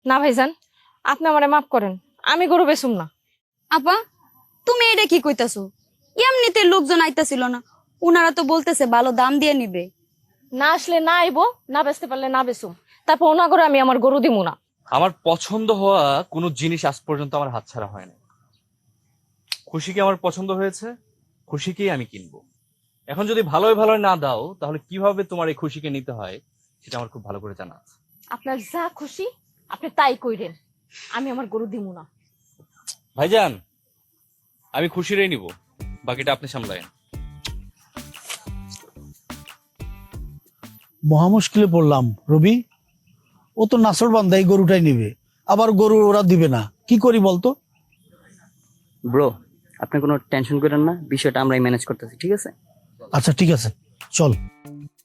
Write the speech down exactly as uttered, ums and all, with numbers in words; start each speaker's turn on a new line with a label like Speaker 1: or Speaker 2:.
Speaker 1: না ভাইজান, আপনি আমারে মাফ করেন, আমি গরু বেচুম না।
Speaker 2: আপা তুমি এটা কি কইতাছো? এমনিতে লোকজন আইতাছিল না, উনারা তো বলতেছে ভালো দাম দিয়ে নিবে।
Speaker 1: না আসলে না আইবো, না বেচতে পারলে না বেচুম, তারপর ওনা করে আমি আমার গরু দিমু না।
Speaker 3: আমার পছন্দ হওয়া কোনো জিনিস আজ পর্যন্ত আমার হাতছাড়া হয় না। খুশিকে আমার পছন্দ হয়েছে, খুশিকেই আমি কিনবো। এখন যদি ভালোই ভালোই না দাও, তাহলে কিভাবে তোমার এই খুশিকে নিতে হয় সেটা আমার খুব ভালো করে জানা আছে।
Speaker 1: আপনার যা খুশি আপনি তাই কইরেন, আমি আমার গরু দিমু না।
Speaker 3: ভাইজান, আমি খুশিরই নিব, বাকিটা আপনি সামলায়েন।
Speaker 4: মহা মুশকিলে পড়লাম রবি। ও তো নাসর বান্দা, এই গরুটাই নিবে, আবার গরু ওরা দিবে না, কি করি বলতো?
Speaker 5: ব্রো, আপনি কোনো টেনশন করেন না, বিষয়টা আমরাই ম্যানেজ করতেছি, ঠিক আছে?
Speaker 4: আচ্ছা ঠিক আছে, চল।